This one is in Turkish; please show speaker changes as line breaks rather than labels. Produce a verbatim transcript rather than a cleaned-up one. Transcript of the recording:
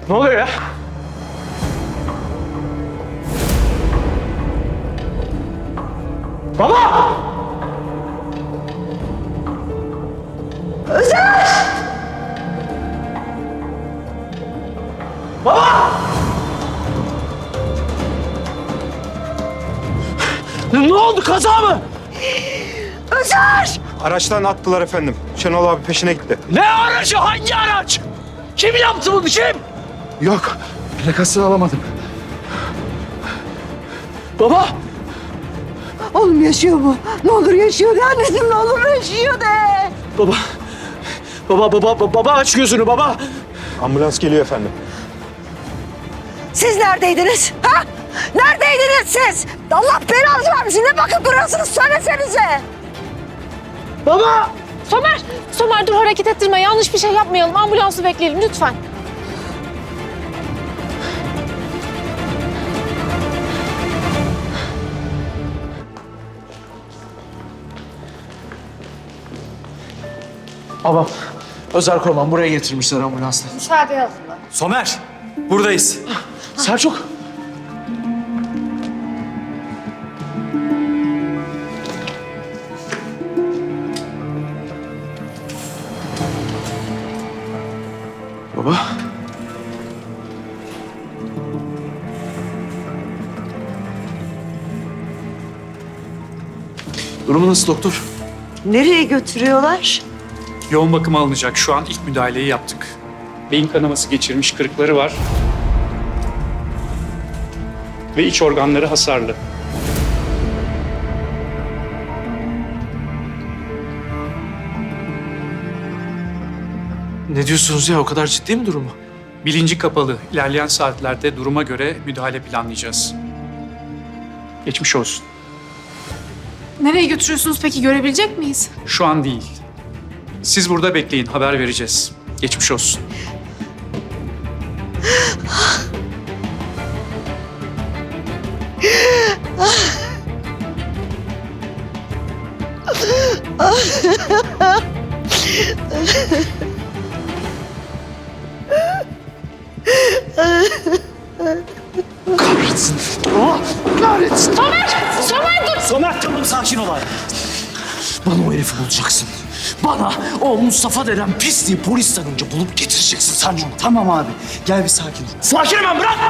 Ne oluyor ya? Baba!
Özer!
Baba! Ne oldu, kaza mı?
Özer!
Araçtan attılar efendim. Şenol abi peşine gitti.
Ne aracı, hangi araç? Kim yaptı bunu, kim?
Yok. Plakasını alamadım.
Baba!
Oğlum yaşıyor mu? Ne olur yaşıyor de anneciğim, ne olur yaşıyor de.
Baba! Baba, baba, baba, baba aç gözünü baba!
Ambulans geliyor efendim.
Siz neredeydiniz? Ha? Neredeydiniz siz? Allah belanızı vermesin. Ne bakıp duruyorsunuz, söylesenize.
Baba!
Somer! Somer dur, hareket ettirme. Yanlış bir şey yapmayalım. Ambulansı bekleyelim lütfen.
Babam, Özer Korman buraya getirmişler ambulansla.
Müsaade yazın.
Somer, buradayız.
Selçuk! Baba. Durumu nasıl doktor?
Nereye götürüyorlar?
Yoğun bakıma alınacak. Şu an ilk müdahaleyi yaptık. Beyin kanaması geçirmiş, kırıkları var. Ve iç organları hasarlı.
Ne diyorsunuz ya? O kadar ciddi mi durumu?
Bilinci kapalı. İlerleyen saatlerde duruma göre müdahale planlayacağız. Geçmiş olsun.
Nereye götürüyorsunuz peki? Görebilecek miyiz?
Şu an değil. Siz burada bekleyin, haber vereceğiz. Geçmiş olsun.
Kahretsin. Oh, kahretsin.
Somer! Somer dur!
Somer, tamam sakin ol abi. Bana o herifi bulacaksın. Bana o Mustafa denen pisliği polis tanınca bulup getireceksin Sancım.
Tamam abi. Gel bir sakin ol.
Sakinim ben, bırak!